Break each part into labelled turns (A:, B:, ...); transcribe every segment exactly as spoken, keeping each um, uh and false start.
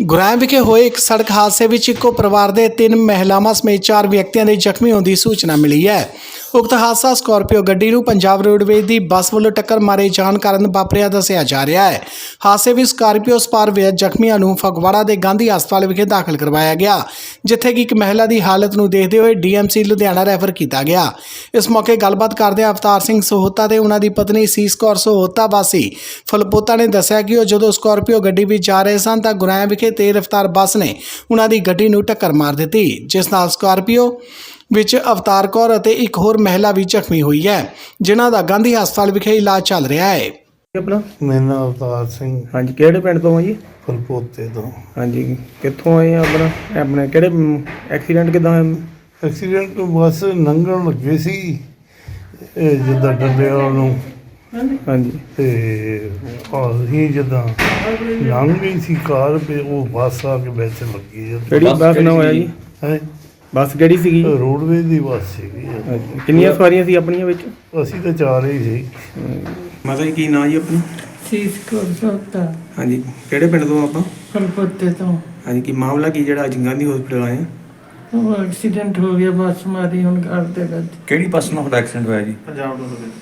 A: ਗੁਰਾਇਆ ਵਿਖੇ ਹੋਏ ਇੱਕ ਸੜਕ ਹਾਦਸੇ ਵਿੱਚ ਇੱਕੋ ਪਰਿਵਾਰ ਦੇ ਤਿੰਨ ਮਹਿਲਾਵਾਂ ਸਮੇਤ ਚਾਰ ਵਿਅਕਤੀਆਂ ਦੇ ਜ਼ਖਮੀ ਹੋਣ ਦੀ ਸੂਚਨਾ ਮਿਲੀ ਹੈ। ਉਕਤ ਹਾਦਸਾ ਸਕਾਰਪੀਓ ਗੱਡੀ ਨੂੰ ਪੰਜਾਬ ਰੋਡਵੇਜ਼ ਦੀ ਬੱਸ ਵੱਲੋਂ ਟੱਕਰ ਮਾਰੇ ਜਾਣ ਕਾਰਨ ਵਾਪਰਿਆ ਦੱਸਿਆ ਜਾ ਰਿਹਾ ਹੈ। ਹਾਦਸੇ ਵਿੱਚ ਸਕਾਰਪੀਓ ਸਵਾਰ ਵਿਅਕਤੀ ਜ਼ਖਮੀਆਂ ਨੂੰ ਫਗਵਾੜਾ ਦੇ ਗਾਂਧੀ ਹਸਪਤਾਲ ਵਿਖੇ ਦਾਖਲ ਕਰਵਾਇਆ ਗਿਆ, ਜਿੱਥੇ ਕਿ ਇੱਕ ਮਹਿਲਾ ਦੀ ਹਾਲਤ ਨੂੰ ਦੇਖਦੇ ਹੋਏ ਡੀਐਮਸੀ ਲੁਧਿਆਣਾ ਰੈਫਰ ਕੀਤਾ ਗਿਆ। ਇਸ ਮੌਕੇ ਗੱਲਬਾਤ ਕਰਦੇ ਅਵਤਾਰ ਸਿੰਘ ਸਹੋਤਾ ਤੇ ਉਹਨਾਂ ਦੀ ਪਤਨੀ ਸੀਸ ਕੌਰ ਸਹੋਤਾ ਵਾਸੀ ਫਲਪੋਤਾ ਨੇ ਦੱਸਿਆ ਕਿ ਉਹ ਜਦੋਂ ਸਕਾਰਪੀਓ ਗੱਡੀ ਵਿੱਚ ਜਾ ਰਹੇ ਸਨ ਤਾਂ ਗੁਰਾਇਆ ਵਿਖੇ ਤੇਜ਼ ਰਫ਼ਤਾਰ ਬੱਸ ਨੇ ਉਹਨਾਂ ਦੀ ਗੱਡੀ ਨੂੰ ਟੱਕਰ ਮਾਰ ਦਿੱਤੀ, ਜਿਸ ਨਾਲ ਸਕਾਰਪੀਓ ਵਿੱਚ ਅਵਤਾਰ ਕੌਰ ਅਤੇ ਇੱਕ ਹੋਰ ਮਹਿਲਾ ਵੀ ਜ਼ਖਮੀ ਹੋਈ ਹੈ, ਜਿਨ੍ਹਾਂ ਦਾ ਗਾਂਧੀ ਹਸਪਤਾਲ ਵਿਖੇ ਇਲਾਜ ਚੱਲ ਰਿਹਾ ਹੈ।
B: ਆਪਣਾ
C: ਮੇਰਾ ਨਾਮ ਅਵਤਾਰ ਸਿੰਘ
B: ਹਾਂਜੀ, ਕਿਹੜੇ ਪਿੰਡ ਤੋਂ ਆ ਜੀ?
C: ਫਲਪੋਤੇ ਤੋਂ।
B: ਹਾਂਜੀ, ਕਿੱਥੋਂ ਆਏ ਆ? ਆਪਣਾ ਆਪਣੇ ਕਿਹੜੇ ਐਕਸੀਡੈਂਟ ਕਿੱਦਾਂ ਹੋਇਆ?
C: ਐਕਸੀਡੈਂਟ ਬੱਸ ਲੰਘਣ ਲੱਗੇ ਸੀ ਇਹ ਜਿੱਦਾਂ ਡੰਡਿਆਂ ਨੂੰ,
B: ਹਾਂਜੀ
C: ਤੇ ਅਸੀਂ ਜਿੱਦਾਂ ਲੰਘ ਗਈ ਸੀ ਕਾਰ ਤੇ ਉਹ ਬੱਸ ਆ ਕੇ ਵਿੱਚ ਲੱਗੀ।
B: ਕਿਹੜੀ ਬੱਸ ਨਾ ਹੋਇਆ ਜੀ?
C: ਹੈ
B: ਬੱਸ ਕਿਹੜੀ ਸੀਗੀ?
C: ਰੋਡਵੇਜ਼ ਦੀ ਬੱਸ ਸੀਗੀ।
B: ਹਾਂਜੀ, ਕਿੰਨੀਆਂ ਸਵਾਰੀਆਂ ਸੀ ਆਪਣੀਆਂ ਵਿੱਚ?
C: ਅਸੀਂ ਤਾਂ ਚਾਰ ਹੀ ਸੀ।
B: ਮਾਤਾ ਜੀ ਕੀ ਨਾਂ ਜੀ ਆਪਣਾ?
D: ਸੀਸ ਕੌਰ ਸਹੋਤਾ,
B: ਹਾਂਜੀ, ਕਿਹੜੇ ਪਿੰਡ ਤੋਂ ਆਪਾਂ?
D: ਫਲਪੋਤੇ ਤੋਂ।
B: ਹਾਂਜੀ, ਕੀ ਮਾਮਲਾ ਕੀ ਜਿਹੜਾ ਅੱਜ ਗਾਂਧੀ ਹਸਪਤਾਲ ਆਏ ਆ?
D: ਉਹ ਐਕਸੀਡੈਂਟ ਹੋ ਗਿਆ, ਬੱਸ ਮਾਰੀ ਹੁਣ ਘਰ ਦੇ ਵਿੱਚ।
E: ਕਿਹੜੀ ਬੱਸ ਨਾਲ ਤੁਹਾਡਾ ਐਕਸੀਡੈਂਟ ਹੋਇਆ ਜੀ? ਪੰਜਾਬ ਰੋਡਵੇਜ਼।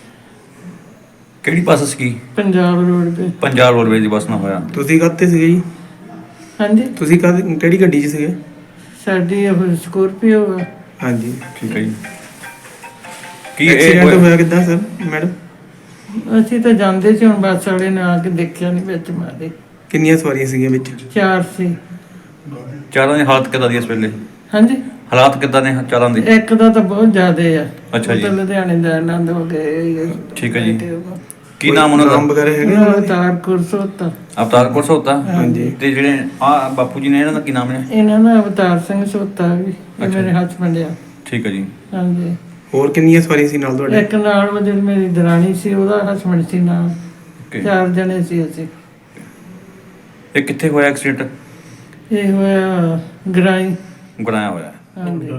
E: ਕਿਹੜੀ ਬੱਸ ਸੀ?
D: ਪੰਜਾਬ ਰੋਡ ਤੇ।
E: ਪੰਜਾਬ ਰੋਡਵੇਜ਼ ਦੀ ਬੱਸ ਨਾਲ ਹੋਇਆ।
B: ਤੁਸੀਂ ਕਾਹਤੇ ਸੀਗੇ ਜੀ?
D: ਹਾਂਜੀ,
B: ਤੁਸੀਂ ਕਾਹਦੇ ਕਿਹੜੀ ਗੱਡੀ 'ਚ ਸੀਗੇ?
D: ਸਾਡੀ ਇਹ ਸਕੋਰਪੀਓ ਆ।
B: ਹਾਂਜੀ,
E: ਠੀਕ ਹੈ ਜੀ। ਕੀ ਇਹ
B: ਐਕਸੀਡੈਂਟ ਹੋਇਆ ਕਿੱਦਾਂ ਸਰ ਮੈਡਮ?
D: ਅਸੀਂ ਤਾਂ ਜਾਂਦੇ ਸੀ, ਹੁਣ ਬੱਸ ਵਾਲੇ ਨੇ ਆ ਕੇ ਦੇਖਿਆ ਨਹੀਂ, ਵਿੱਚ ਮਾਰੇ।
B: ਕਿੰਨੀਆਂ ਸਵਾਰੀਆਂ ਸੀਗੀਆਂ ਵਿੱਚ?
D: ਚਾਰ ਸੀ।
E: ਚਾਰਾਂ ਦੀ ਹਾਲਤ ਕਿੱਦਾਂ ਦੀ ਇਸ ਵੇਲੇ?
D: ਹਾਂਜੀ,
E: ਹਾਲਾਤ ਕਿੱਦਾਂ ਨੇ ਚਾਰਾਂ ਦੇ?
D: ਇੱਕ ਦਾ ਤਾਂ ਬਹੁਤ ਜ਼ਿਆਦੇ ਆ।
E: ਅੱਛਾ ਜੀ।
D: ਉਹ ਤਾਂ ਲੁਧਿਆਣੇ ਦਾ ਆਨੰਦ ਹੋ ਗਏ।
E: ਠੀਕ ਹੈ ਜੀ। ਕੀ ਨਾਮ ਉਹਨਾਂ
B: ਨਾਮ
E: ਦਾ?
B: ਵਗੈਰਾ ਹੈਗਾ
D: ਉਹਨਾਂ
B: ਉਹਨਾਂ
D: ਦਾ
B: ਦਾ?
D: ਤਾਰ ਕੁਰਸੋਤਾ।
E: ਅਵਤਾਰ ਕੌਰ ਸਹੋਤਾ।
B: ਹਾਂਜੀ।
E: ਤੇ ਜਿਹੜੇ ਆ ਬਾਪੂ ਜੀ ਨੇ ਇਹਨਾਂ ਦਾ ਕੀ ਨਾਮ ਹੈ?
D: ਇਹਨਾਂ ਦਾ ਅਵਤਾਰ ਸਿੰਘ ਸਹੋਤਾ ਵੀ, ਇਹ
E: ਅੱਛਾ।
D: ਮੇਰੇ ਹਸਬੈਂਡ ਆ।
E: ਠੀਕ ਹੈ ਜੀ।
D: ਹਾਂਜੀ,
B: ਹੋਰ ਕਿੰਨੀਆਂ ਸਵਾਰੀਆਂ ਸੀ ਨਾਲ ਤੁਹਾਡੇ?
D: ਇੱਕ ਨਾਲ ਉਹ ਜਿਹੜੀ ਮੇਰੀ ਦਰਾਣੀ ਸੀ, ਉਹਦਾ ਹਸਬੈਂਡ ਸੀ ਨਾਲ।
E: ਓਕੇ।
D: ਚਾਰ ਜਣੇ ਸੀ ਅਸੀਂ।
E: ਇਹ ਕਿੱਥੇ ਹੋਇਆ ਐਕਸੀਡੈਂਟ?
D: ਇਹ ਹੋਇਆ ਗਰਾਈ।
E: ਗੁਰਾਇਆ ਹੋਇਆ।
D: ਹਾਂਜੀ,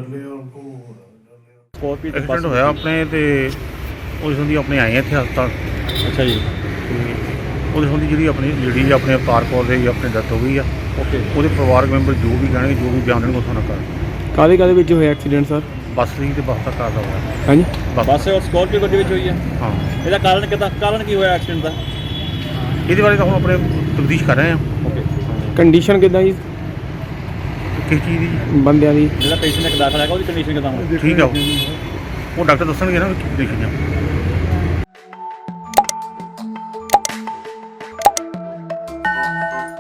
F: ਐਕਸੀਡੈਂਟ ਹੋਇਆ ਆਪਣੇ ਤੇ ਉਹਦੇ ਸੰਬੰਧੀ ਆਪਣੇ ਆਏ ਆ ਇੱਥੇ ਹਸਪਤਾਲ।
E: ਅੱਛਾ ਜੀ।
F: ਤੇ ਉਹਦੇ ਸੰਬੰਧੀ ਜਿਹੜੀ ਆਪਣੀ ਲੇਡੀ ਆਪਣੇ ਅਵਤਾਰ ਕੌਰ ਦੇ ਆਪਣੇ ਡੈਥ ਹੋ ਗਈ ਆ।
E: ਓਕੇ।
F: ਉਹਦੇ ਪਰਿਵਾਰਕ ਮੈਂਬਰ ਜੋ ਵੀ ਕਹਿਣਗੇ, ਜੋ ਵੀ ਬਿਆਨ ਦੇਣਗੇ ਉਹ ਤੁਹਾਨੂੰ ਕਰ।
B: ਕਾਹਦੇ ਕਾਹਦੇ ਵਿੱਚ ਹੋਇਆ ਐਕਸੀਡੈਂਟ ਸਰ?
F: ਬੱਸ ਸੀ ਤੇ ਬੱਸ ਦਾ ਕਾਰ ਦਾ ਹੋਇਆ।
B: ਹਾਂਜੀ,
E: ਬੱਸ ਔਰ ਸਕਾਰਪੀਓ ਗੱਡੀ ਵਿੱਚ ਹੋਈ ਹੈ।
F: ਹਾਂ,
E: ਇਹਦਾ ਕਾਰਨ ਕਿੱਦਾਂ ਕਾਰਨ ਕੀ ਹੋਇਆ ਐਕਸੀਡੈਂਟ ਦਾ?
F: ਇਹਦੇ ਬਾਰੇ ਤਾਂ ਹੁਣ ਆਪਣੇ ਤਫਤੀਸ਼ ਕਰ ਰਹੇ ਆ।
E: ਓਕੇ।
B: ਕੰਡੀਸ਼ਨ ਕਿੱਦਾਂ ਜੀ
F: ਕਿਸ ਚੀਜ਼ ਦੀ?
B: ਬੰਦਿਆਂ ਦੀ?
E: ਜਿਹੜਾ ਪੇਸ਼ੈਂਟ ਇੱਕ ਦਾਖਲ ਹੈਗਾ ਉਹਦੀ ਕੰਡੀਸ਼ਨ ਕਿੱਦਾਂ ਹੋਣੀ?
F: ਠੀਕ ਆ, ਉਹ ਉਹ ਡਾਕਟਰ ਦੱਸਣਗੇ ਨਾ ਕੀ ਕੰਡੀਸ਼ਨ ਆ।